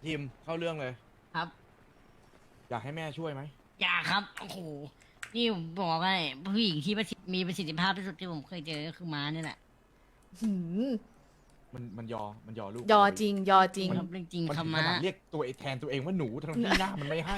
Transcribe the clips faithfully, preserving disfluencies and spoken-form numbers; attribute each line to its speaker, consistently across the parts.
Speaker 1: ทีมเข้าเรื่องเลย
Speaker 2: ครับ
Speaker 1: อยากให้แม่ช่วยไหม
Speaker 2: อย่าครับโอ้โหนี่ผมบอกให้ผู้หญิงที่ประสิทธิมีประสิทธิภาพที่สุดที่ผมเคยเจอก็คือม้าเนี่ยแหละ
Speaker 3: หืม
Speaker 1: มันมันยอมันยอลูก
Speaker 3: ยอจริง ยอจริง
Speaker 2: ผมทำเรื่องจริง
Speaker 1: มัน
Speaker 2: ครั
Speaker 1: ถึ
Speaker 2: บ
Speaker 1: งข
Speaker 2: ม้า
Speaker 1: นาดเรียกตัวเองแทนตัวเองว่าหนูทั้งที่หน้ามันไม่ให้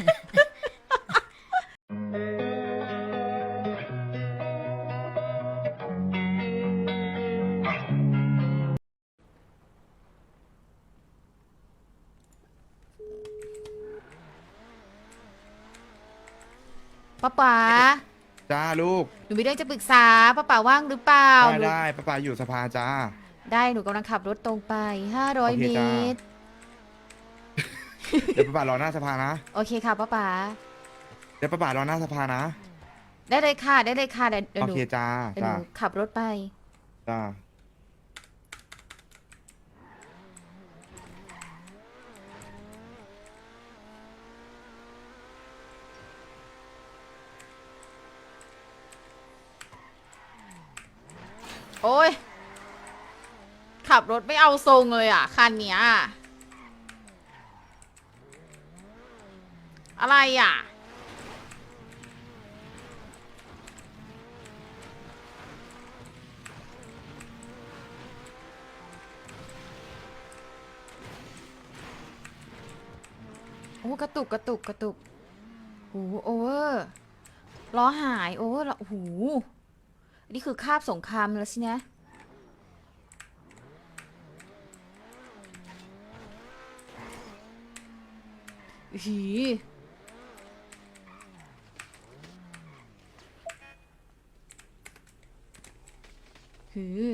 Speaker 3: ป้าป๋า
Speaker 4: จ้าลูก
Speaker 3: หนูมีเรื่องจะปรึกษาป้าป๋าว่างหรือเปล่า
Speaker 4: ได้
Speaker 3: หนู
Speaker 4: ได้ป้าป๋าอยู่สภาจ้า
Speaker 3: ได้หนูกำลังขับรถตรงไป ห้าร้อย
Speaker 4: โอ
Speaker 3: เม
Speaker 4: เคจ้า
Speaker 3: ตร
Speaker 4: เดี๋ยวป้าป๋ารอหน้าสภานะ
Speaker 3: โอเคค่ะป้าป๋า
Speaker 4: เดี๋ยวป้าป๋ารอหน้าสภานะ
Speaker 3: ได้เลยค่ะ ได้เลยค่ะเดี๋ยวเดี๋ยว
Speaker 4: โอ
Speaker 3: หนู
Speaker 4: เคจ้า
Speaker 3: เดี๋ยวห
Speaker 4: จ้า
Speaker 3: นูขับรถไป
Speaker 4: จ้า
Speaker 3: โอ้ย ขับรถไม่เอาทรงเลยอ่ะ คันเนี้ย อะไรอ่ะ โอ้กระตุกกระตุกกระตุกโอ้โอเวอร์ล้อหายโอเวอร์โอ้โหนี่คือคาบสงครามแล้วสินะหีหือ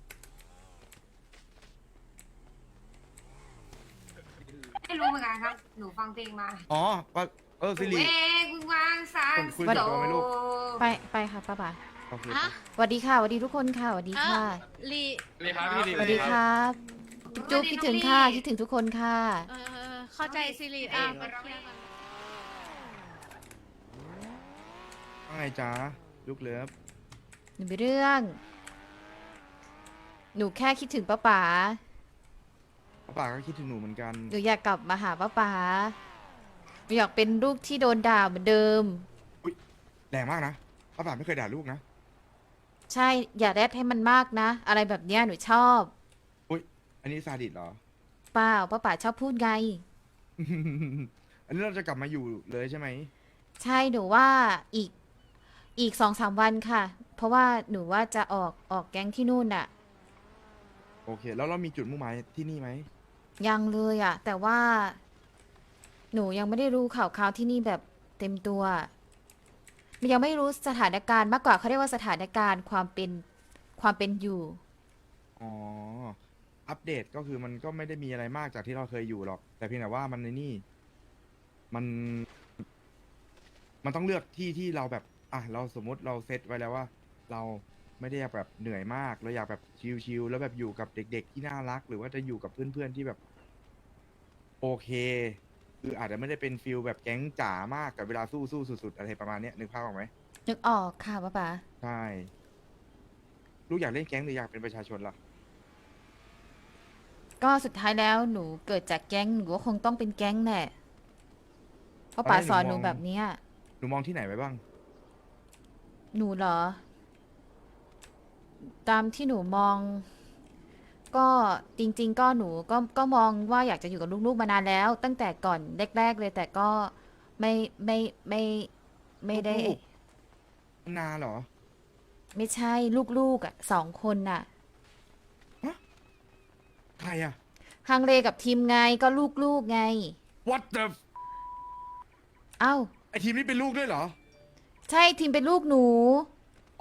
Speaker 5: ไม่รู้เหมือนกันครับ หนูฟังเพลงมา
Speaker 4: อ๋อป้าเออสิริ
Speaker 5: เองคุณวางสาม
Speaker 4: คุณคุยกับตัวไหมลูก
Speaker 3: ไปไปค่ะป้าป๋า
Speaker 4: โอเค
Speaker 6: ฮะ
Speaker 3: สวัสดีค่ะสวัสดีทุกคนค่ะสวัสดีค่ะ
Speaker 6: ลี
Speaker 7: เลยครับพี่ลี
Speaker 3: สวัสดีครับจุ๊บคิดถึงค่ะคิดถึงทุกคนค่ะ
Speaker 6: เออเข้าใจซิริอ่ะมาเคลียร์กัน
Speaker 4: ว่าไงจ้าลูกเลิฟ
Speaker 3: หนูมีเรื่อง หนูแค่คิดถึงป้าป๋า
Speaker 4: ป้าป๋าก็คิดถึงหนูเหมือนกัน
Speaker 3: หนูอยากกลับมาหาป้าป๋าหนูอยากเป็นลูกที่โดนด่าเหมือนเดิม
Speaker 4: แรงมากนะป้าป๋าไม่เคยด่าลูกนะ
Speaker 3: ใช่ อย่าแรดให้มันมากนะ อะไรแบบเนี้ยหนูชอบ
Speaker 4: อุ้ยอันนี้ซาดิสเหรอ
Speaker 3: เปล่าป้าป๋าชอบพูดไง
Speaker 4: อันนี้เราจะกลับมาอยู่เลยใช่ไหม
Speaker 3: ใช่หนูว่าอีกอีกสองสามวันค่ะ เพราะว่าหนูว่าจะออกออกแก๊งที่นู่นน่ะ
Speaker 4: โอเค แล้วเรามีจุดมุ่งหมายที่นี่ไหม
Speaker 3: ยังเลยอะแต่ว่า หนูยังไม่ได้รู้ข่าวคราวที่นี่แบบเต็มตัวมันยังไม่รู้สถานการณ์มากกว่าเขาเรียกว่าสถานการณ์ความเป็นความเป็นอยู่
Speaker 4: อ๋อ อัปเดตก็คือมันก็ไม่ได้มีอะไรมากจากที่เราเคยอยู่หรอก แต่เพียงแต่ว่ามันในนี่ มัน มันต้องเลือกที่ที่เราแบบ อ่ะ เราสมมติเราเซตไว้แล้วว่า เราไม่ได้อยากแบบเหนื่อยมาก เราอยากแบบชิลๆแล้วแบบอยู่กับเด็ก ๆ ที่น่ารัก หรือว่าจะอยู่กับเพื่อนๆที่แบบ โอเค คืออาจจะไม่ได้เป็นฟิลแบบแก๊งจ๋ามากกับเวลาสู้สู้สุดๆอะไรประมาณเนี้ยนึกภาพออกไหม
Speaker 3: นึกออกค่ะป้าป๋า
Speaker 4: ใช่ ลูกอยากเล่นแก๊งหรืออยากเป็นประชาชนล่ะ
Speaker 3: ก็สุดท้ายแล้วหนูเกิดจากแก๊งหนูก็คงต้องเป็นแก๊งแหละเพราะป๋าสอนหนูแบบเนี้ย
Speaker 4: หนูมองที่ไหนไว้บ้าง
Speaker 3: หนูเหรอ ตามที่หนูมอง ก็จริง ๆ ก็หนูก็ก็มองว่าอยากจะอยู่กับลูกๆมานานแล้ว ตั้งแต่ก่อนแรก ๆ เลย แต่ก็ไม่ไม่ไม่ไม่ได้
Speaker 4: ลูก นานเหรอ
Speaker 3: ไม่ใช่ลูกๆอ่ะสองคนน่ะ
Speaker 4: ใครอะ
Speaker 3: ฮังเลกับทีมไงก็ลูกๆไง
Speaker 4: What the
Speaker 3: เอ้า
Speaker 4: ไอทีมนี้เป็นลูกด้วยเหรอ
Speaker 3: ใช่ทีมเป็นลูกหนู
Speaker 4: โอ้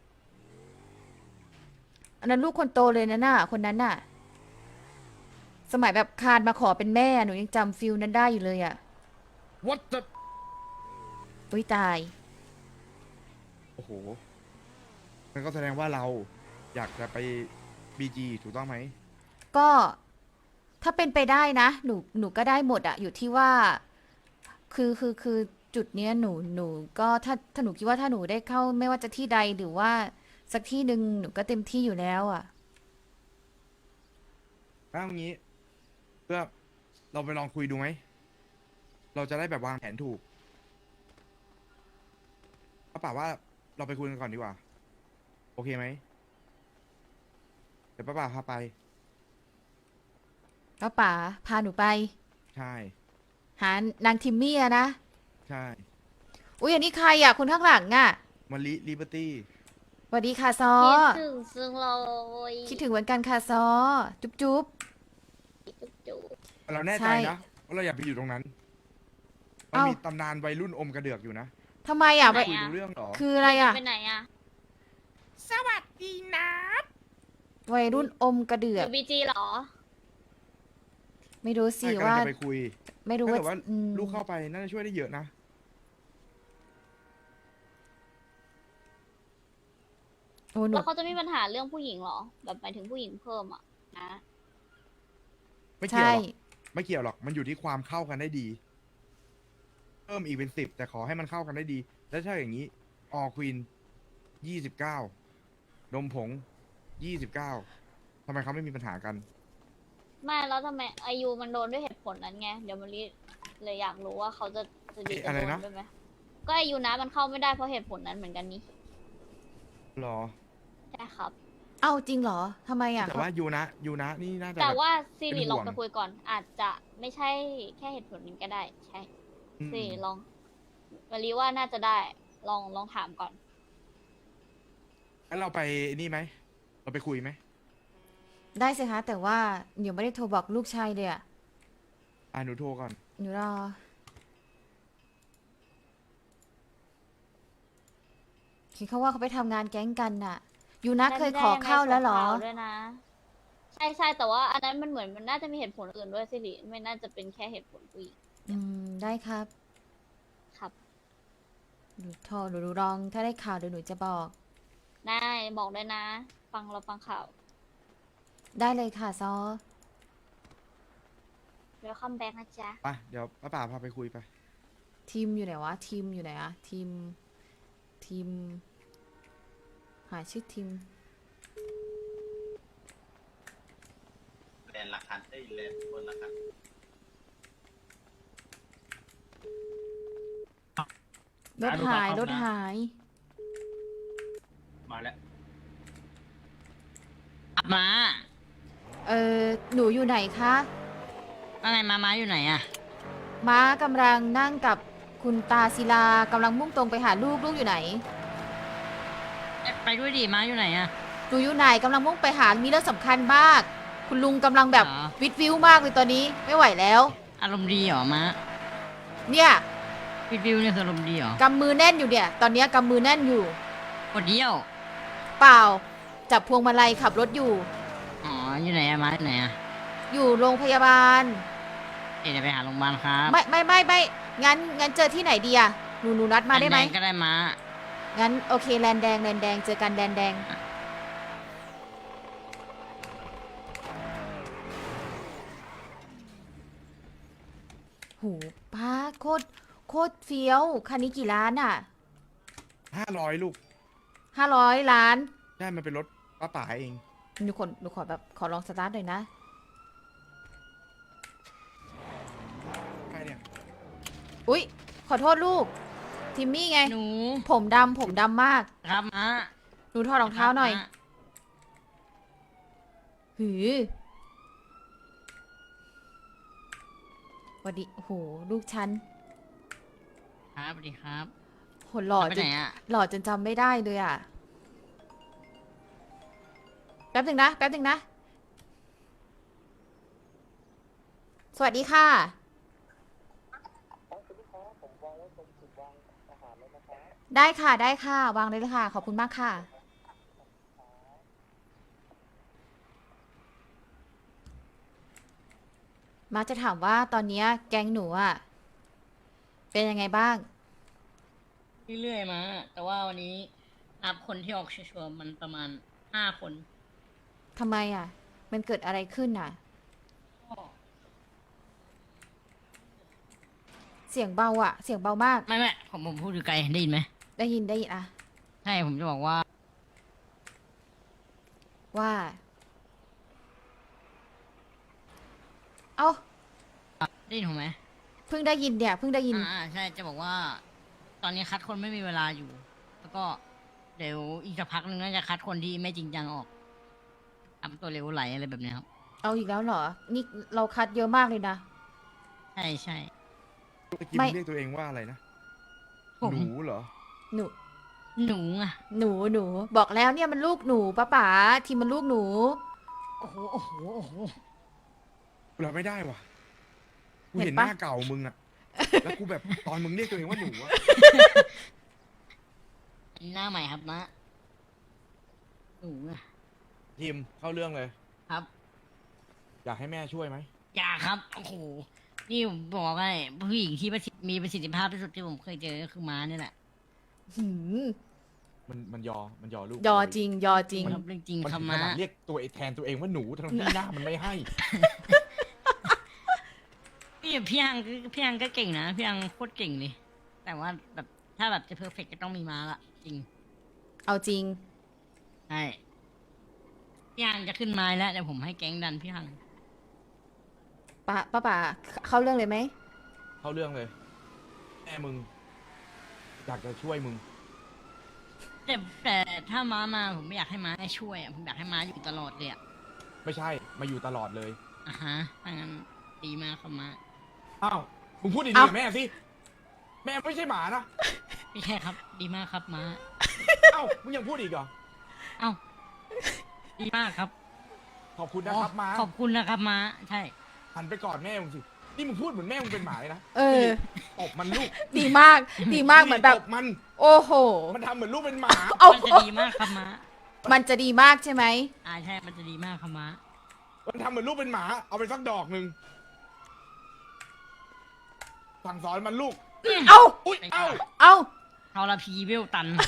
Speaker 3: อันนั้นลูกคนโตเลยนะน่ะ คนนั้นน่ะ สมัยแบบคานมาขอเป็นแม่หนูยังจำฟิลนั้นได้อยู่เลยอ่ะ
Speaker 4: What the
Speaker 3: อุ้ยตาย
Speaker 4: โอ้โหนั่นก็แสดงว่าเราอยากจะไป บี จี ถูกต้องไหม
Speaker 3: ก็ถ้าเป็นไปได้นะ หนูหนูก็ได้หมดอะอยู่ที่ว่า คือคือคือจุดเนี้ยหนูหนูก็ถ้าถ้าหนูคิดว่าถ้าหนูได้เข้าไม่ว่าจะที่ใดหรือว่าสักที่หนึ่งหนูก็เต็มที่อยู่แล้วอะ
Speaker 4: ถ้าอย่างนี้ เพื่อเราไปลองคุยดูไหมเราจะได้แบบวางแผนถูกป้าป่าว่าเราไปคุยกันก่อนดีกว่าโอเคไหมเดี๋ยวป้าป่าพาไป
Speaker 3: ป้าป๋าพาหนูไป
Speaker 4: ใช่
Speaker 3: หานางทิมมี่อะนะ
Speaker 4: ใช่
Speaker 3: อุ้ยอันนี้ใครอะคนข้างหลังอะ
Speaker 4: มาลิลิเบอร์ตี้
Speaker 3: สวัสดีค่ะซอ
Speaker 7: คิดถึงซึ่งเรา
Speaker 3: คิดถึงเหมือนกันค่ะซอ จุ๊บจุ๊บ
Speaker 7: จุ๊บจุ๊บ
Speaker 4: เราแน่
Speaker 3: ใช่
Speaker 4: ใจนะว่าเราอยากไปอยู่ตรงนั้นมัน
Speaker 3: เอ้ามี
Speaker 4: มีตำนานวัยรุ่นอมกระเดือกอยู่นะ
Speaker 3: ทำไมอะ
Speaker 4: คุยรู้เรื่องเหรอ
Speaker 3: คืออะไรอะ
Speaker 7: ไปไหนอะ
Speaker 6: สวัสดีนะ
Speaker 3: วัยรุ่นอมกระเดื
Speaker 7: อ
Speaker 3: อก
Speaker 7: ยู่บีจีเหรอ
Speaker 3: ไม่รู้สิ
Speaker 4: ใช่กำลัง
Speaker 3: ว่า
Speaker 4: จะไปคุย
Speaker 3: ไม่รู้
Speaker 4: ถ้า
Speaker 3: ว่า
Speaker 4: เกิดว่า
Speaker 3: อืม
Speaker 4: ลูกเข้าไปน่าจะช่วยได้เยอะนะ
Speaker 3: โอ้หนู
Speaker 7: แล้วเขาจะมีปัญหาเรื่องผู้หญิงเหรอ แบบหมายถึงผู้หญิงเพิ่มอะนะ
Speaker 4: ไม่เกี่ยว
Speaker 3: ใช่
Speaker 4: หรอกไม่เกี่ยวหรอกมันอยู่ที่ความเข้ากันได้ดี เพิ่มอีกเป็นสิบแต่ขอให้มันเข้ากันได้ดี แล้วถ้าอย่างนี้ออควีนยี่สิบเก้านมผงยี่สิบเก้าทำไมเขาไม่มีปัญหากัน
Speaker 7: ไม่แล้วทำไมอายุมันโดนด้วยเหตุผลนั้นไง เดี๋ยวมารีเลยอยากรู้ว่าเขาจะจะดี
Speaker 4: เอ๊ะ
Speaker 7: จะ
Speaker 4: อะไร
Speaker 7: โดน
Speaker 4: นะ
Speaker 7: ด้วยไหมก็อายุนะมันเข้าไม่ได้เพราะเหตุผลนั้นเหมือนกันนี่
Speaker 4: หรอ
Speaker 7: ใช่ครับ
Speaker 3: เอ้าจริงเหรอทำไมอะ
Speaker 4: แต่ว่ายูนะยูนะนี่น่าจะ
Speaker 7: แต่
Speaker 4: บบ
Speaker 7: ว่าซีรี
Speaker 4: เป็นห่
Speaker 7: ล
Speaker 4: ว
Speaker 7: อง งไปคุยก่อน อาจจะไม่ใช่แค่เหตุผลนี้ก็ได้ ใช่
Speaker 4: อืม
Speaker 7: ซีรีลองมารีว่าน่าจะได้ลองลองถามก่อน
Speaker 4: งั้นเราไปนี่ไหม เราไปคุยไหม
Speaker 3: ได้สิคะแต่ว่าเดี๋ยวไม่ได้โทรบอกลูกชายเลยอะ
Speaker 4: อ่าหนูโทรก่อน
Speaker 3: หนูรอคิดเขาว่าเขาไปทำงานแก๊งกันน่ะ ยูนะเคยขอเข้าแล้วเหรอ
Speaker 7: ได้ส่งข่าวด้วยนะ ใช่ใช่แต่ว่าอันนั้นมันเหมือนมันน่าจะมีเหตุผลอื่นด้วยสิริไม่น่าจะเป็นแค่เหตุผลผู้หญิง
Speaker 3: อืม ได้ครับ
Speaker 7: ครับ
Speaker 3: หนูโทรหนูดูลอง ถ้าได้ข่าวเดี๋ยวหนูจะบอก
Speaker 7: ได้บอกด้วยนะ ฟังเราฟังข่าว
Speaker 3: ได้เลยค่ะซอ
Speaker 7: เดี๋ยวคัมแบ็กนะจ๊ะ
Speaker 4: ไป เดี๋ยวป้าป่าพาไปคุยไป
Speaker 3: ทีมอยู่ไหนวะ ทีมอยู่ไหนอะทีม ทีม หาชื่อทีม
Speaker 8: แลนด์ละคันเอ้ยแลนด์บนละคัน
Speaker 3: รถหาย รถหาย
Speaker 8: มาแล้ว
Speaker 2: มา
Speaker 3: เออหนูอยู่ไหนคะ
Speaker 2: ว่าไงมาม้าอยู่ไหนอะ
Speaker 3: ม้ากำลังนั่งกับคุณตาศิลากำลังมุ่งตรงไปหาลูก ลูกอยู่ไหน
Speaker 2: เอ๊ะไปด้วยดิม้าอยู่ไหนอะ
Speaker 3: หนูอยู่ไหนกำลังมุ่งไปหา มีเรื่องสำคัญมาก คุณลุงกำลังแบบ
Speaker 2: เหรอ
Speaker 3: วิดวิวมากเลยตอนนี้ ไม่ไหวแล้ว
Speaker 2: อารมณ์ดีเหรอม้า
Speaker 3: เนี่ย
Speaker 2: วิดวิวเนี่ยคืออารมณ์ดีเหรอก
Speaker 3: ำมือแน่นอยู่เนี่ย ตอนเนี้ยกำมือแน่นอยู่
Speaker 2: กดเดียว
Speaker 3: เปล่า จับพวงมาลัยขับรถอยู่
Speaker 2: อ๋ออยู่ไหนอะม้าอยู่ไหนอะ
Speaker 3: อยู่โรงพยาบาล
Speaker 2: เอ๊ะเดี๋ยวไปหาโรงพยาบาลครับ
Speaker 3: ไม่ไม่ไม่ไม่งั้นงั้นเจอที่ไหนดีอะหนูหนูนัดมาได้ไหม
Speaker 2: แดงๆก็ได้ม้า
Speaker 3: งั้นโอเคแลนแดงแลนแดงเจอกันแดนแดง หูป้าโคตรโคตรเฟี้ยว คันนี้กี่ล้านอ่ะ
Speaker 4: ห้าร้อยลูก
Speaker 3: ห้าร้อยล้าน
Speaker 4: ใช่ มันเป็นรถป้าป่าเอง
Speaker 3: หนูขอหนูขอแบบขอลองสตาร์ทหน่อยนะ
Speaker 4: ใครเนี่ย
Speaker 3: อุ๊ย ขอโทษลูก ทิมมี่ไง
Speaker 2: หนู
Speaker 3: ผมดำผมดำมาก
Speaker 2: ครับม้า
Speaker 3: หนูถอดรองเท้าหน่อย
Speaker 2: ครับม้
Speaker 3: หือสวัสดีโอ้โห ลูกฉัน
Speaker 2: ครับสวัสดีครับ
Speaker 3: โหหล่อ
Speaker 2: ไป
Speaker 3: จ
Speaker 2: ไห
Speaker 3: น
Speaker 2: นอะ
Speaker 3: หล่อจนจำไม่ได้เลยอ่ะ แป๊บหนึ่งนะ แป๊บหนึ่งนะ สวัสดีค่ะ ได้ค่ะ ได้ค่ะ วางเลยเลยค่ะ ขอบคุณมากค่ะ มาจะถามว่าตอนเนี้ยแก๊งหนูอ่ะ เป็นยังไงบ้าง
Speaker 2: เรื่อยๆมาแต่ว่าวันนี้นับคนที่ออกชัวร์ๆมันประมาณห้าคน
Speaker 3: ทำไมอ่ะ มันเกิดอะไรขึ้นอ่ะ
Speaker 2: ก็
Speaker 3: เสียงเบาอ่ะ เสียงเบามาก
Speaker 2: ไม่ไม่ผมผมพูดอยู่ไกลได้ยินไหม
Speaker 3: ได้ยินได้ยินอ่ะ
Speaker 2: ใช่ผมจะบอกว่า
Speaker 3: ว่า เอา
Speaker 2: ได้ยินผมไหม
Speaker 3: เพิ่งได้ยินเนี่ยเพิ่งได้ยิน
Speaker 2: อ่าใช่จะบอกว่า ตอนนี้คัดคนไม่มีเวลาอยู่ แล้วก็เดี๋ยวอีกสักพักหนึงน่าจะคัดคนที่ไม่จริงจังออกทำตัวเร็วไหลอะไรแบบเนี้ยครับ
Speaker 3: เอาอีกแล้วเหรอ นี่เราคัดเยอะมากเลยนะ
Speaker 2: ใช่ใช่
Speaker 4: เมื่อกี้
Speaker 3: ไม่
Speaker 4: มึงเรียกตัวเองว่าอะไรนะ
Speaker 2: ผม
Speaker 4: หนูเหรอ
Speaker 3: หนู
Speaker 2: หนูอ่ะ
Speaker 3: หนูหนูบอกแล้วเนี่ยมันลูกหนูป้าป๋าทีมมันลูกหนู
Speaker 2: โอ้โหโอ้โหโอ้โห
Speaker 4: กูรับไม่ได้ว่ะ กู
Speaker 3: เห็
Speaker 4: เห็
Speaker 3: น
Speaker 4: น
Speaker 3: ปะ
Speaker 4: หน้าเก่ามึงอะแล้วกูแบบตอนมึงเรียกตัวเองว่าหนูอะ
Speaker 2: อันนี้หน้าใหม่ครับนะหนูอ่ะ
Speaker 1: ทีมเข้าเรื่องเลย
Speaker 2: ครับ
Speaker 1: อยากให้แม่ช่วยไหม
Speaker 2: อย่าครับโอ้โหนี่ผมบอกให้ผู้หญิงที่ประสิทธิ์มีประสิทธิภาพที่สุดที่ผมเคยเจอก็คือม้าเนี่ยแหละ
Speaker 3: หืม
Speaker 1: มันมันยอมันยอลูก
Speaker 3: ยอจริง ยอจริง
Speaker 2: ครับเรื่องจริง
Speaker 1: มัน
Speaker 2: ครับ
Speaker 1: ถึงข
Speaker 2: ม้า
Speaker 1: นาดเรียกตัวเองแทนตัวเองว่าหนูทั้งที่หน้ามันไม่ให้
Speaker 2: พี่พี่ยังพี่ยังก็เก่งนะพี่ยังโคตรเก่งเลยแต่ว่าแบบถ้าแบบจะเพอร์เฟกก็ต้องมีม้าละจริง
Speaker 3: เอาจริง
Speaker 2: ใช่พี่ยังจะขึ้นไม้แล้วเดี๋ยวผมให้แก๊งดันพี่ยัง
Speaker 3: ป้าป้าป๋าเข้าเรื่องเลยไหม
Speaker 1: เข้าเรื่องเลย แม่มึง อยากจะช่วยมึง
Speaker 2: แต่แต่ถ้าม้ามาผมไม่อยากให้ม้าช่วยอ่ะผมอยากให้ม้าอยู่ตลอดเลยอ่ะ
Speaker 1: ไม่ใช่ มาอยู่ตลอดเลย
Speaker 2: อ่ะฮะถ้างั้นดีมากครับม้า
Speaker 1: อ้าว มึงพูดดีๆ
Speaker 3: เอ้า
Speaker 1: กับแม่สิ แม่ไม่ใช่หมานะ
Speaker 2: ไม่ใช่ครับ ดีมากครับม้า
Speaker 1: เอ้า มึงยังพูดอีกเหรอ
Speaker 2: เอ้าดีมากครับ
Speaker 1: ขอบคุณนะครับม้า
Speaker 2: ขอบคุณนะครับม้าใช่
Speaker 1: หันไปกอดแม่มึงสิ นี่มึงพูดเหมือนแม่มึงเป็นหมาเลยนะ
Speaker 3: เออ
Speaker 1: ตบมันลูก
Speaker 3: ดีมาก ดีมากเหมือนแบบ
Speaker 1: ตบมัน
Speaker 3: โอ้โห
Speaker 1: มันทำเหมือนลูกเป็นหมา
Speaker 3: เอา
Speaker 2: มันจะดีมากครับม้า
Speaker 3: มันจะดีมากใช่ไหม
Speaker 2: อ่าใช่มันจะดีมากครับม้า
Speaker 1: มันทำเหมือนลูกเป็นหมา เอาไปสักดอกหนึ่งสั่งสอนมันลูก
Speaker 3: เอา
Speaker 1: อุ้ย เอ้า
Speaker 3: เอา
Speaker 2: ทรพีเวลตัน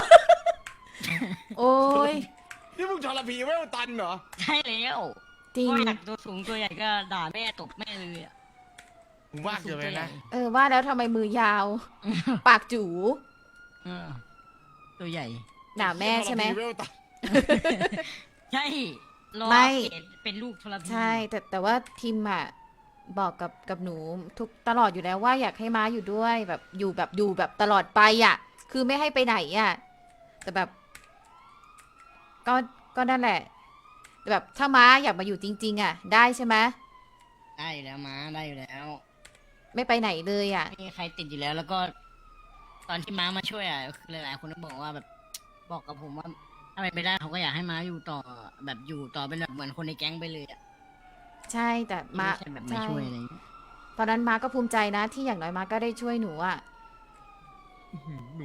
Speaker 3: โอ้ย
Speaker 1: นี่มึงทรพีเวลตันเหรอ
Speaker 2: ใช่แล้ว
Speaker 3: จริง
Speaker 2: ก็อยากตัวสูงตัวใหญ่ก็ด่าแม่ตบแม่เลยอ่ะ
Speaker 1: มึงว่าเกินไปนะ
Speaker 3: เออว่าแล้วทำไมมือยาว ปากจู
Speaker 2: เออตัวใหญ่
Speaker 3: หนาแม่ใช่ไหม
Speaker 1: ทรพีเวลตัน
Speaker 2: ใช่รอ
Speaker 3: ไม่
Speaker 2: อัปเกรดเป็นลูกทรพี
Speaker 3: ใช่ แต่แต่ว่าทีมอ่ะบอกกับกับหนูทุกตลอดอยู่แล้วว่าอยากให้ม้าอยู่ด้วยแบบอยู่แบบอยู่แบบตลอดไปอ่ะ คือไม่ให้ไปไหนอ่ะ แต่แบบ ก็ก็นั่นแหละแต่แบบถ้าม้าอยากมาอยู่จริง ๆ อ่ะ ได้ใช่ไหม
Speaker 2: ได้อยู่แล้วม้าได้อยู่แล้ว
Speaker 3: ไม่ไปไหนเลยอ่ะ
Speaker 2: ไม่มีใครติดอยู่แล้วแล้วก็ ตอนที่ม้ามาช่วยอ่ะคือหลายๆคนก็บอกว่าแบบ บอกกับผมว่าถ้าเป็นไปได้เขาก็อยากให้ม้าอยู่ต่อแบบอยู่ต่อเป็นแบบเหมือนคนในแก๊งไปเลยอ่ะ
Speaker 3: ใช่แต่ม้า
Speaker 2: ไม่ใช่แบบมาช่วยอะไรอย่างเงี้ย
Speaker 3: ตอนนั้นม้าก็ภูมิใจนะ ที่อย่างน้อยม้าก็ได้ช่วยหนูอ่ะ
Speaker 1: หนู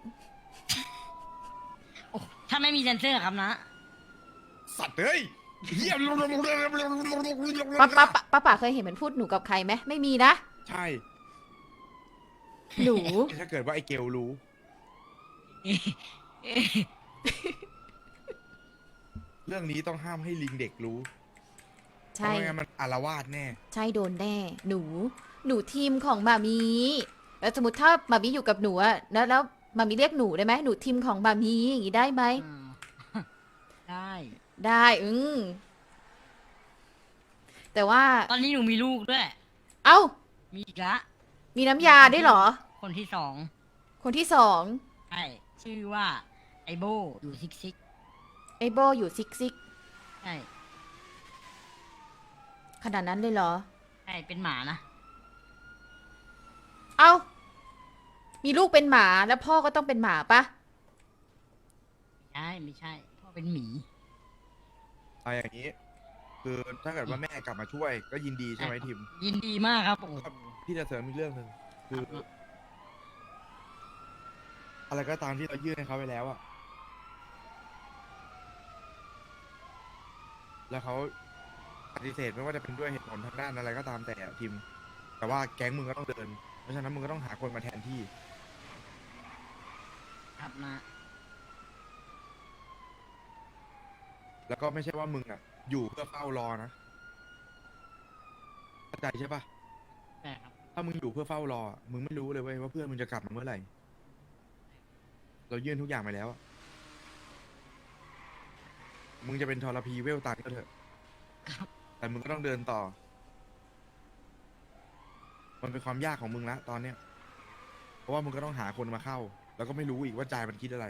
Speaker 2: โอ้ถ้าไม่มีเซนเซอร์ครับนะ
Speaker 1: สัตว์เอ้ยเยี่ยม
Speaker 3: ป้าป้าป้าป้าป๋าเคยเห็นมันพูดหนูกับใครไหมไม่มีนะ
Speaker 1: ใช่
Speaker 3: หนู
Speaker 1: ถ้าเกิดว่าไอ้เกลรู้
Speaker 4: เรื่องนี้ต้องห้ามให้ลิงเด็กรู้เพ
Speaker 3: ใช่
Speaker 4: ราะไม่งั้นมันอารวาสแน่
Speaker 3: ใช่โดนแน่ หนู หนูทีมของมามีแล้วสมมติถ้ามามีอยู่กับหนูอะแล้วแล้วมามีเรียกหนูได้ไหมหนูทีมของมามีอย่างนี้ได้ไหม
Speaker 2: อ่าได้
Speaker 3: ได้อืมแต่ว่า
Speaker 2: ตอนนี้หนูมีลูกด้วย
Speaker 3: เอ้า
Speaker 2: มีอีกละ
Speaker 3: มีน้ำยาได้วยเหรอ
Speaker 2: คนที่สอง
Speaker 3: คนที่สอง
Speaker 2: ใช่ชื่อว่าไอโบอยู่ซิกซิก
Speaker 3: ไอโบอยู่ซิกซิก
Speaker 2: ใช่
Speaker 3: ขนาดนั้นเลยเหรอ
Speaker 2: ใช่เป็นหมานะ
Speaker 3: เอ้า มีลูกเป็นหมาแล้วพ่อก็ต้องเป็นหมาปะ
Speaker 2: ใช่ไม่ใช่พ่อเป็นหมี
Speaker 4: เอาอย่างนี้ คือถ้าเกิดว่าแม่กลับมาช่วย ก็ยินดีใช่ไหมทีม
Speaker 2: ยินดีมากครับโอ้โห
Speaker 4: พี่จะเสริมอีกเรื่องหนึ่งคือ อะไรก็ตามที่เรายื่นให้เขาไปแล้วอะแล้วเขาปฏิเสธไม่ว่าจะเป็นด้วยเหตุผลทางด้านอะไรก็ตามแต่อะทีม แต่ว่าแก๊งมึงก็ต้องเดิน เพราะฉะนั้นมึงก็ต้องหาคนมาแทนที่
Speaker 2: ครับนะ
Speaker 4: แล้วก็ไม่ใช่ว่ามึงอะอยู่เพื่อเฝ้ารอนะเข้าใจใช่ปะ
Speaker 2: ใช่ครับ
Speaker 4: ถ้ามึงอยู่เพื่อเฝ้ารออะมึงไม่รู้เลยเว้ยว่าเพื่อนมึงจะกลับมาเมื่อไหร่ เรายื่นทุกอย่างไปแล้วอะมึงจะเป็นทรพีเวลตันก็เถอะ แต่มึงก็ต้องเดินต่อมันเป็นความยากของมึงละตอนเนี้ย เพราะว่ามึงก็ต้องหาคนมาเข้า แล้วก็ไม่รู้อีกว่าใจมันคิดอะไร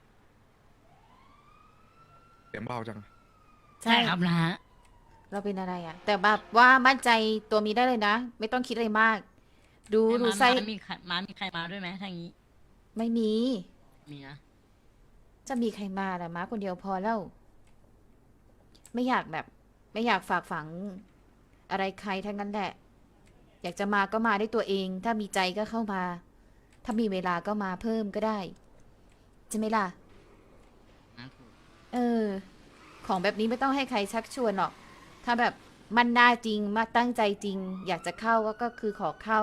Speaker 4: เสียงเบาจัง
Speaker 2: ใช่ครับนะฮะ
Speaker 3: เราเป็นอะไรอะแต่แบบว่ามั่นใจตัวมีได้เลยนะ ไม่ต้องคิดอะไรมาก ดูดู
Speaker 2: ม้า
Speaker 3: ไส้
Speaker 2: ม้ามีใครม้ามีใครมาด้วยไหมทางนี้
Speaker 3: ไม่มี
Speaker 2: มีนะ
Speaker 3: จะมีใครมาล่ะม้าคนเดียวพอแล้ว ไม่อยากแบบ ไม่อยากฝากฝังอะไรใครทั้งนั้นแหละ อยากจะมาก็มาได้ตัวเอง ถ้ามีใจก็เข้ามา ถ้ามีเวลาก็มาเพิ่มก็ได้ใช่ไหมล่ะ
Speaker 2: นะถูก
Speaker 3: เออ ของแบบนี้ไม่ต้องให้ใครชักชวนหรอก ถ้าแบบมันน่าจริงมาตั้งใจจริง อยากจะเข้าก็ก็คือขอเข้า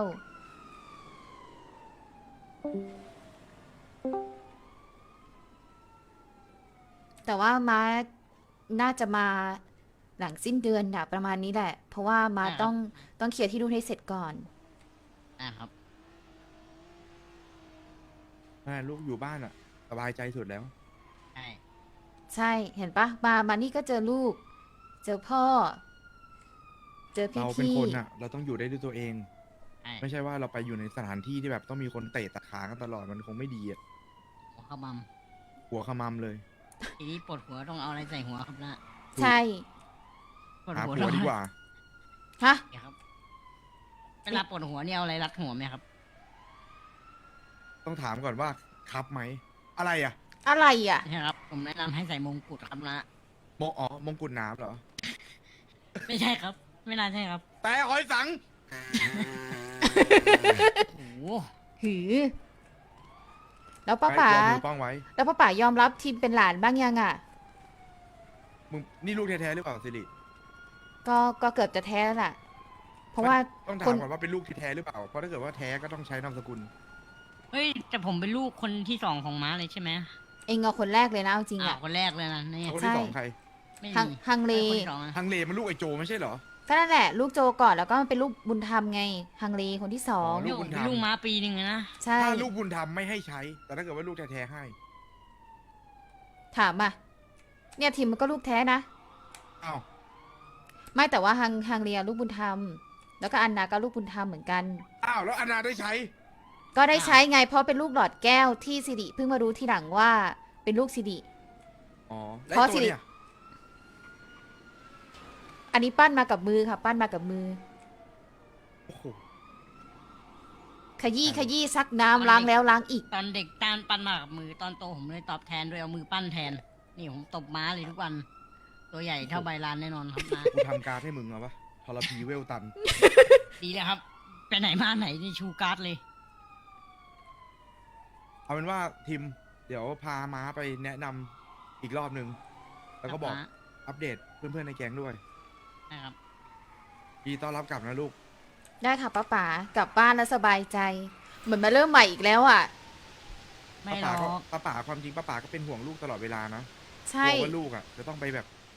Speaker 3: แต่ว่าม้าน่าจะมาหลังสิ้นเดือนอะประมาณนี้แหละ เพราะว่าม้าต้องต้องเคลียร์ที่นู่นให้เสร็จก่อน
Speaker 2: อ่าครับ
Speaker 4: แม่ลูกอยู่บ้านอะสบายใจสุดแล้ว
Speaker 2: ใช่
Speaker 3: ใช่เห็นปะมามานี่ก็เจอลูก เจอพ่อ เจอพี่
Speaker 4: เราเป็น
Speaker 3: พี่
Speaker 4: คนอะเราต้องอยู่ได้ด้วยตัวเอง
Speaker 2: ใช่
Speaker 4: ไม่ใช่ว่าเราไปอยู่ในสถานที่ที่แบบต้องมีคนเตะตัดขากันตลอดมันคงไม่ดีอะ
Speaker 2: หัวขม
Speaker 4: หัวขมำเลย
Speaker 2: ำทีนี้ปวดหัวต้องเอาอะไรใส่หัวครับนะ
Speaker 3: ใช่
Speaker 2: ปวด
Speaker 4: หา
Speaker 2: หัว
Speaker 4: ผัวดีกว่า
Speaker 3: ฮะ
Speaker 2: เนี่ยครับเวลาปวดหัวเนี่ยเอาอะไรรัดหัวไหมครับ
Speaker 4: ต้องถามก่อนว่าครับไหม อะไรอะ
Speaker 3: อะไรอ่ะ
Speaker 2: ใช่ครับ ผมแนะนำให้ใส่มงกุฎครับนะ
Speaker 4: โมอ๋อมงกุฎน้ำเหรอ
Speaker 2: ไม่ใช่ครับ ไม่น่าใช่ครับ
Speaker 4: แต่หอยสัง
Speaker 2: โอ้โห
Speaker 3: หือ แล้วป้าป๋า
Speaker 4: ใครกลัวมือป้องไว้
Speaker 3: แล้วป้าป๋ายอมรับทีมเป็นหลานบ้างยังอ่ะ
Speaker 4: มึงนี่ลูกแท้ๆหรือเปล่าสิริ
Speaker 3: ก็ก็เกือบจะแท้แล้วล่ะ เพราะว่า
Speaker 4: ต้อง
Speaker 3: ค
Speaker 4: ถาม
Speaker 3: น
Speaker 4: ก่อนว่าเป็นลูกที่แท้หรือเปล่า เพราะถ้าเกิดว่าแท้ก็ต้องใช้นามสกุล
Speaker 2: เฮ้ยแต่ผมเป็นลูกคนที่สองของม้าเลยใช่ไหม
Speaker 3: เองเอาคนแรกเลยนะเอาจริง
Speaker 2: อ่า
Speaker 3: อ่ะ
Speaker 2: คนแรกเลยนะเนี่ย
Speaker 4: คน
Speaker 3: ใช่
Speaker 4: ที่สองใคร
Speaker 2: ไม่
Speaker 3: ฮัง
Speaker 2: มี
Speaker 3: ฮังเล
Speaker 2: คนที่สองอะ
Speaker 4: ฮังเลมันลูกไอโจไม่ใช่เหรอ
Speaker 3: ก็นั่นแหละ ลูกโจก่อนแล้วก็เป็นลูกบุญธรรมไง ฮังเลคนที่สอง
Speaker 4: อ๋อ ลูกบุญธรรม
Speaker 2: เป็นลูกม้าปีหนึ่งอะนะ
Speaker 3: ใช่
Speaker 4: ถ้าลูกบุญธรรมไม่ให้ใช้ แต่ถ้าเกิดว่าลูกแท้ๆให้
Speaker 3: ถามอ่ะ เนี่ยทีมมันก็ลูกแท้นะ
Speaker 4: อ้าว
Speaker 3: ไม่แต่ว่าฮังฮังเลียลูกบุญธรรม แล้วก็อันนาก็ลูกบุญธรรมเหมือนกัน
Speaker 4: อ้าว แล้วอนาได้ใช้
Speaker 3: ก็ได้ใช้ไงเพราะเป็นลูกหลอดแก้วที่สิริเพิ่งมารู้ทีหลังว่าเป็นลูกสิริ
Speaker 4: อ๋อ แล้ว
Speaker 3: เพราะ
Speaker 4: ไอ้ตัว
Speaker 3: สิริ
Speaker 4: เนี่ย
Speaker 3: อันนี้ปั้นมากับมือค่ะ ปั้นมากับมือ
Speaker 4: โอ้โห
Speaker 3: ขยี้ขยี้ซักน้ำล้างแล้วล้างอีก
Speaker 2: ตอนเด็กตานปั้นมากับมือตอนโตผมเลยตอบแทนด้วยเอามือปั้นแทน นี่ผมตบม้าเลยทุกวัน ตัวใหญ่เท่าใบลานแน่นอนครับนะ
Speaker 4: กูทำการดให้มึงเอาปะทรพีเวลตัน
Speaker 2: ดีแล้วครับไปไหนมาไหนนี่ชูการ์ดเลย
Speaker 4: เอาเป็นว่าทีม เดี๋ยวพาม้าไปแนะนำอีกรอบหนึ่ง แล้วก็บอก
Speaker 2: ครับม้า
Speaker 4: อัปเดตเพื่อนๆในแก๊งด้วย
Speaker 2: นะครับ
Speaker 4: ดีต้อนรับกลับนะลูก
Speaker 3: ได้ค่ะป้าป๋ากลับบ้านแล้วสบายใจ เหมือนมาเริ่มใหม่อีกแล้วอ่ะ
Speaker 2: ไม่หร
Speaker 4: ป้า
Speaker 2: อ
Speaker 4: ป๋าก็
Speaker 2: ก
Speaker 4: ป้าป๋าความจริงป้าป๋าก็เป็นห่วงลูกตลอดเวลานะ
Speaker 3: ใช่
Speaker 4: กลัวว่าลูกอ่ะ จะต้องไปแบบ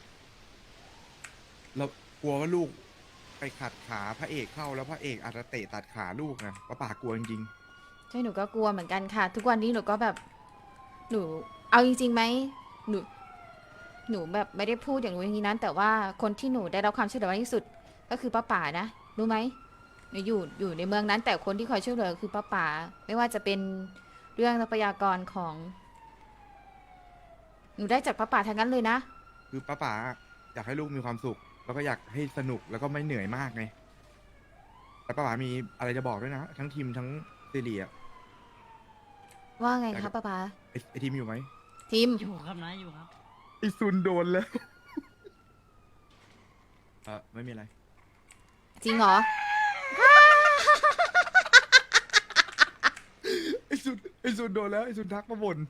Speaker 4: เรากลัวว่าลูก ไปขัดขาพระเอกเข้าแล้วพระเอกอาจจะเตะตัดขาลูกนะป้าป๋ากลัวจริง
Speaker 3: ใช่หนูก็กลัวเหมือนกันค่ะ ทุกวันนี้หนูก็แบบ หนู เอาจริงๆไหมหนู หนูแบบไม่ได้พูดอย่างนู้นอย่างนี้นั้นแต่ว่าคนที่หนูได้รับความช่วยเหลือมากที่สุด ก็คือป้าป๋านะรู้ไหมหนูอยู่อยู่ในเมืองนั้น แต่คนที่คอยช่วยเหลือคือป้าป๋าไม่ว่าจะเป็นเรื่องทรัพยากรของ หนูได้จากป้าป๋าทั้งนั้นเลยนะ
Speaker 4: ๆ คือป้าป๋าอยากให้ลูกมีความสุข แล้วก็อยากให้สนุกแล้วก็ไม่เหนื่อยมากไงแต่ป้าป๋ามีอะไรจะบอกด้วยนะ ทั้งทีมทั้งซีรีส์อะ
Speaker 3: ว่าไง
Speaker 4: แต่
Speaker 3: คะ
Speaker 4: ก็
Speaker 3: ป้าป๋า
Speaker 4: ไอ้ไอทีมอยู่ไหม
Speaker 3: ทีม
Speaker 2: อยู่ครับนะอยู่ครับ
Speaker 4: ไอซุนโดนแล้ว เออไม่มีอะไร
Speaker 3: จริงเหรอ
Speaker 4: ไอซุนไอซุนโดนแล้วไอซุนทักมาบ่น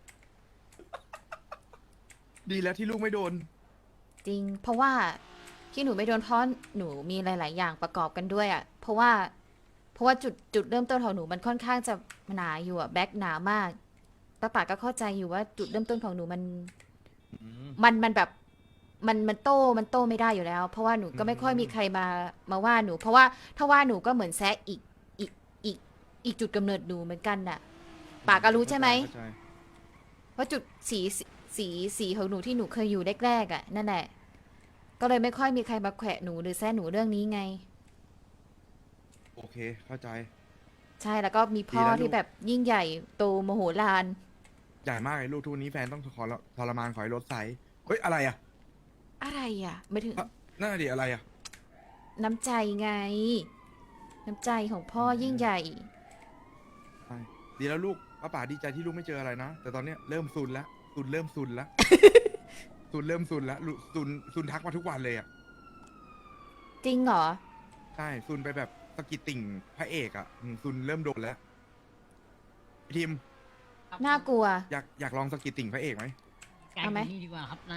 Speaker 4: ดีแล้วที่ลูกไม่โดน
Speaker 3: จริง เพราะว่าที่หนูไม่โดนเพราะหนูมีหลาย ๆ อย่างประกอบกันด้วยอะ่ะ เพราะว่า เพราะว่าจุดจุดเริ่มต้นของหนูมันค่อนข้างจะหนาอยู่อะแบ็คหนามากป้าป๋าก็เข้าใจอยู่ว่าจุดเริ่มต้นของหนูมัน มันมันแบบมันมันโตมันโตไม่ได้อยู่แล้ว เพราะว่าหนูก็ไม่ค่อยมีใครมามาว่าหนู เพราะว่าถ้าว่าหนูก็เหมือนแซะอีกอีกอีกอีกจุดกำเนิดหนูเหมือนกันน่ะป๋าก็รู้ใช่ไหม
Speaker 4: เข้าใจ
Speaker 3: ว่าจุดสีสีสีของหนูที่หนูเคยอยู่แรกๆอ่ะนั่นแหละ ก็เลยไม่ค่อยมีใครมาแขวะหนูหรือแซะหนูเรื่องนี้ไง
Speaker 4: โอเคเคเข้าใจ
Speaker 3: ใช่แล้วก็มีพ่อ
Speaker 4: ดีแล้วลูก
Speaker 3: ที่แบบยิ่งใหญ่โตมโหฬาร
Speaker 4: ใหญ่มากเลยลูกทุกวันนี้แฟนต้องขอทรมานขอให้ลดไซส์เฮ้ยอะไรอ่ะ
Speaker 3: อะไรอ่ะไม่ถึง
Speaker 4: อ่ะนั่นนะดิอะไรอ่ะ
Speaker 3: น้ำใจไง น้ำใจของพ่อยิ่งใหญ่
Speaker 4: ใช่ดีแล้วลูกป้าป๋าดีใจที่ลูกไม่เจออะไรนะ แต่ตอนเนี้ยเริ่มซุนแล้วซุนเริ่มซุนแล้ว ซุนเริ่มซุนแล้วลุซุนซุนทักมาทุกวันเลยอ่ะ
Speaker 3: จริงเหรอ
Speaker 4: ใช่ซุนไปแบบสะกิดติ่งพระเอกอ่ะอืมซุนเริ่มโดนแล้วพี่ทีม
Speaker 3: น่ากลัว
Speaker 4: อยากอยากลองสะกิดติ่งพระเอกไหม
Speaker 2: ไกล
Speaker 3: เอา
Speaker 2: ก
Speaker 3: ไหม
Speaker 2: ว่านี่ดีกว่าครับนะ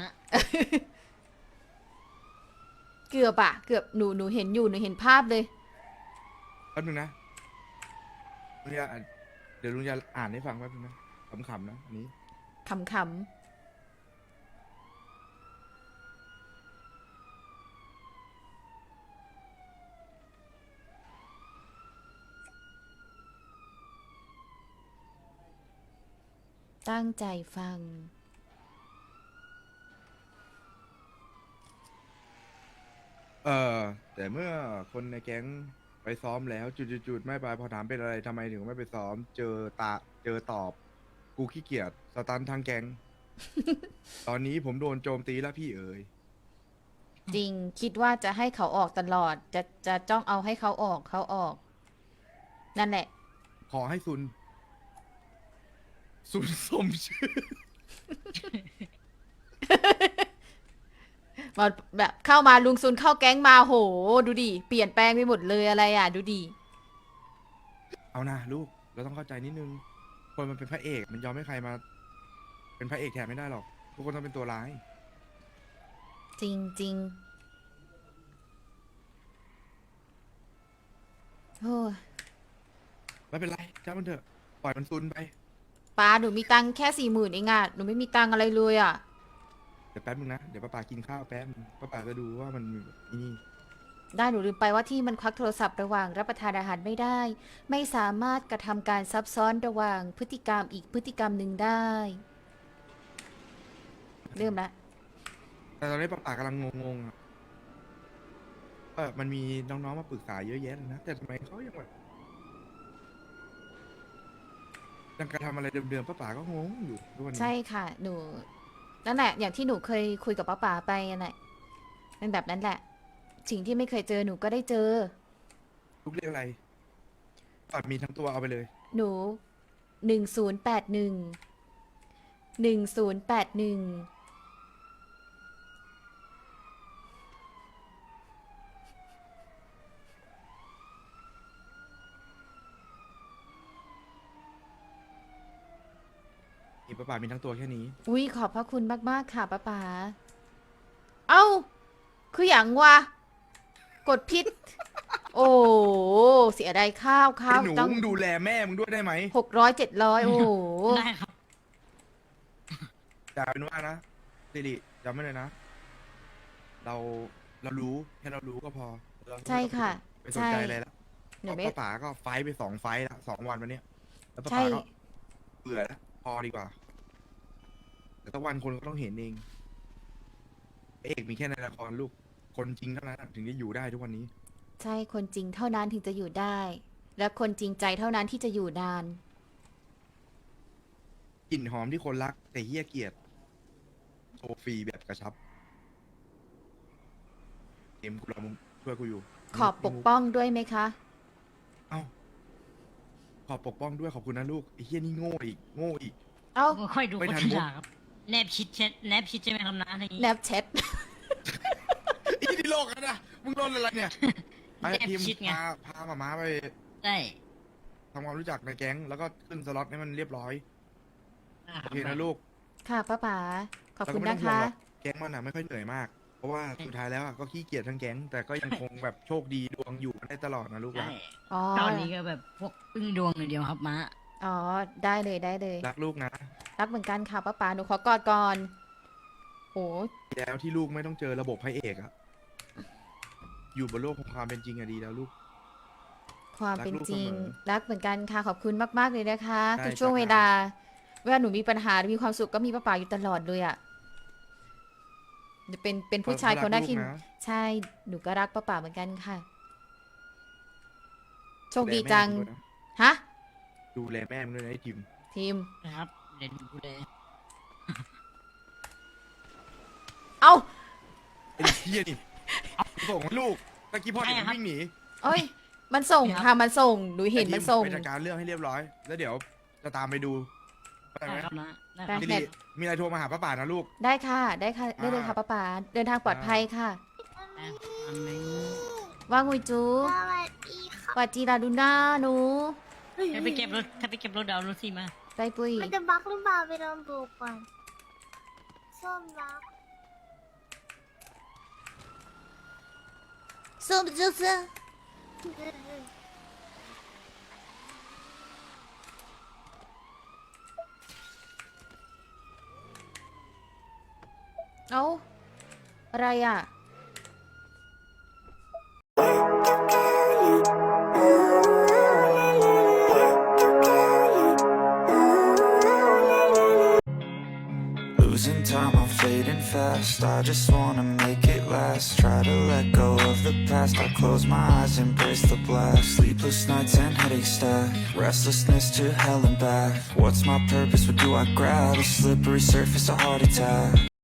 Speaker 3: เกือบอะเกือบหนูหนูเห็นอยู่หนูเห็นภาพเลย
Speaker 4: แป๊บนึงนะลุงจะอ่านเดี๋ยวลุงจะอ่านให้ฟังแป๊บนึงนะขำๆนะอันนี้
Speaker 3: ขำขำตั้งใจฟัง
Speaker 4: เออแต่เมื่อคนในแก๊งไปซ้อมแล้วจุดๆๆไม่ไปพอถามเป็นอะไรทำไมถึงไม่ไปซ้อม เจอตาเจอตอบ กูขี้เกียจสตันทางแก๊ง ตอนนี้ผมโดนโจมตีแล้วพี่เอ๋ย
Speaker 3: จริงคิดว่าจะให้เขาออกตลอด จะจะจ้องเอาให้เขาออกเขาออก นั่นแหละ
Speaker 4: ขอให้ซุน ซุนสมชื่อ
Speaker 3: มาแบบเข้ามาลุงซุนเข้าแก๊งมาโห ดูดิ เปลี่ยนแปลงไปหมดเลยอะไรอ่ะ ดูดิ
Speaker 4: เอานะลูก เราต้องเข้าใจนิดนึง คนมันเป็นพระเอก มันยอมให้ใครมา เป็นพระเอกแทนไม่ได้หรอก ทุกคนต้องเป็นตัวร้าย
Speaker 3: จริงจริงโอ้ย
Speaker 4: ไม่เป็นไรจ้ามันเถอะ ปล่อยมันซุนไป
Speaker 3: ป้าหนูมีตังค์แค่สี่หมื่นเองอ่ะหนูไม่มีตังค์อะไรเลยอ่ะ
Speaker 4: เดี๋ยวแป๊บนึงนะ เดี๋ยวป้าป๋ากินข้าวแป๊บนึงป้าป๋าจะดูว่ามันมีนี่
Speaker 3: ได้หนูลืมไปว่าที่มันควักโทรศัพท์ระหว่างรับประทานอาหารไม่ได้ ไม่สามารถกระทำการซับซ้อนระหว่างพฤติกรรมอีกพฤติกรรมหนึ่งได้ เริ่มละ
Speaker 4: แต่ตอนนี้ป้าป๋ากำลังงงๆอะว่ามันมีน้องๆมาปรึกษาเยอะแยะเลยนะ แต่ทำไมเขายังแบบยังกระทำอะไรเดิมๆป้าป๋าก็งงอยู่ทุกวันนี้
Speaker 3: ใช่ค่ะ หนูนั่นแหละ อย่างที่หนูเคยคุยกับป้าป๋าไปนั่นแหละเป็นแบบนั้นแหละ สิ่งที่ไม่เคยเจอหนูก็ได้เจอ
Speaker 4: ลูกเรียกอะไรป้ามีทั้งตัวเอาไปเลย
Speaker 3: หนูหนึ่งศูนย์แปดหนึ่งหนึ่งศูนย์แปดหนึ่ง
Speaker 4: อีป้าป๋ามีทั้งตัวแค่นี้
Speaker 3: อุ้ยขอบพระคุณมาก ๆ ค่ะป้าป๋า เอ้า คืออย่างวะ กดพิษ โอ้เสียดายข้าวข้า
Speaker 4: ไอ้
Speaker 3: ว
Speaker 4: หนู
Speaker 3: ตั้ง
Speaker 4: มึงดูแลแม่มึงด้วยได้ไหม
Speaker 3: หกร้อยเจ็ดร้อยโอ้โห
Speaker 2: ได้ครับ
Speaker 4: แต่เป็นว่านะสิริจำไว้เลยนะ เราเรารู้แค่เรารู้ก็พอเราไม่ต้อง
Speaker 3: ใช่ค่ะ
Speaker 4: ไปสนใจ
Speaker 3: ใช่
Speaker 4: อะไรแล้ว
Speaker 3: หนู
Speaker 4: เพ
Speaker 3: ไม่
Speaker 4: ราะป้าป๋าก็ไฟท์ไปสองไฟท์ละสองวันวันเนี้ยแล้วป้า
Speaker 3: ใช่
Speaker 4: ป๋าก็เบื่อแล้วพอดีกว่า แต่ตะวันคนก็ต้องเห็นเองพระเอกมีแค่ในละครลูกคนจริงเท่านั้นถึงจะอยู่ได้ทุกวันนี้
Speaker 3: ใช่คนจริงเท่านั้นถึงจะอยู่ได้ และคนจริงใจเท่านั้นที่จะอยู่นาน
Speaker 4: กลิ่นหอมที่คนรัก แต่เฮี้ยเกียดโชว์ฟรีแบบกระชับเอ็มกูรอมึงช่วยกูอยู่
Speaker 3: ขอบปกป้องด้วยไหมคะ
Speaker 4: เอ้าขอบปกป้องด้วยขอบคุณนะลูกไอ้เฮี้ยนี่โง่อีกโง่อีก
Speaker 3: เอ้า
Speaker 2: ค่อยดู
Speaker 4: ไม่
Speaker 2: คน
Speaker 4: ทัน
Speaker 2: ที่
Speaker 4: มุก
Speaker 2: ด่าครับ แนบชิดเช็ดแนบชิดใช่ไหมครับนะอะไรอย่าง
Speaker 3: แน
Speaker 2: งี้
Speaker 3: บแชท
Speaker 4: ไอ้ที่โลกกันนะมึงโดนอะไรเนี่ยไอ้
Speaker 2: แนบ
Speaker 4: ทีม
Speaker 2: ชิดไง
Speaker 4: พาพามาม้าไป
Speaker 2: ใช่
Speaker 4: ทำความรู้จักในแก๊ง แล้วก็ขึ้นสล็อตให้มันเรียบร้อย
Speaker 2: อ่าค
Speaker 4: โอ
Speaker 2: รับ
Speaker 4: เคนะลูก
Speaker 3: ค่ะป้าป๋าขอบ
Speaker 4: แล้ว
Speaker 3: คุ
Speaker 4: ก็
Speaker 3: ณ
Speaker 4: ไม่ต้
Speaker 3: นะ
Speaker 4: องห่วง
Speaker 3: คะ
Speaker 4: หรอกแก๊งมันอ่ะไม่ค่อยเหนื่อยมาก เพราะว่าสุดท้ายแล้วอะก็ขี้เกียจทั้งแก๊ง แต่ก็ยังคงแบบโชคดีดวงอยู่กันได้ตลอดนะลูก
Speaker 2: ใช่
Speaker 4: นะ
Speaker 3: อ๋อ
Speaker 2: ตอนนี้ก็แบบพวกพึ่งดวงอย่างเดียวครับม้า
Speaker 3: อ๋อ ได้เลยได้เลย
Speaker 4: รักลูกนะ
Speaker 3: รักเหมือนกันค่ะป้าป๋าหนูขอกอดก่อน โอ้
Speaker 4: แล้วที่ลูกไม่ต้องเจอระบบพระเอกอะอยู่บนโลกของความเป็นจริงอะดีแล้วลูก
Speaker 3: ความเป็นจริง
Speaker 4: รักลูกเสมอ
Speaker 3: รักเหมือนกันค่ะ ขอบคุณมาก ๆ เลยนะคะ
Speaker 4: ได้
Speaker 3: ทุกช่วง
Speaker 4: จ้ะ
Speaker 3: เวลา เวลาหนูมีปัญหาหรือมีความสุขก็มีป้าป๋าอยู่ตลอดเลยอะ่ะจะเป็นเป็นผู้ชายคนแรกที่
Speaker 4: รัลูกะ
Speaker 3: ใช่ หนูก็รักป้าป๋าเหมือนกันค่ะโชคดีจัง ฮะ
Speaker 4: ดูแลแม่มึงด้วยนะไอ้ทิม
Speaker 3: ทีม
Speaker 2: นะครับเดี๋ยวดูเลย
Speaker 3: เอ้า
Speaker 4: ไอ้เหี้ยนี่เอาส่งให้ลูกตะกี้พ่อเด็กมันวิ่งหนี
Speaker 3: เอ้ย มันส่งค่ะ มันส่ง หนูเห็น
Speaker 4: ไอ้ทิ
Speaker 3: มันส่ง
Speaker 4: ไปจัดการเรื่องให้เรียบร้อย แล้วเดี๋ยวจะตามไปดูได้ไหม
Speaker 2: ได้ครับนะได้ค
Speaker 3: ไป
Speaker 2: รับ
Speaker 4: สิริมีอะไรโทรมาหาป้าป่านะลูก
Speaker 3: ได้ค่ะ ได้ค่ะ ได้เลยค่ะป้าป๋าเดินทางปลอดภัยค่ะ
Speaker 2: อันนี้
Speaker 3: ว่าnguy chú
Speaker 6: สวัสดีค่ะ
Speaker 3: ว่าจีราดูน่าหนู
Speaker 2: ถ้าไปเก็บรถถ้าไปเก็บรถเดาวนรถสิมา
Speaker 3: ไปปุ้ย
Speaker 6: มันจะบักหรือเปล่าไปลองดูก่อนส้มบัก
Speaker 3: ส้มจุ๊ซ เอ้า อะไรอ่ะ
Speaker 9: Losing time, I'm fading fast. I just wanna make it last. Try to let go of the past. I close my eyes, embrace the blast. Sleepless nights and headaches stack. Restlessness to hell and back. What's my purpose? What do I grab? A slippery surface, a heart attack.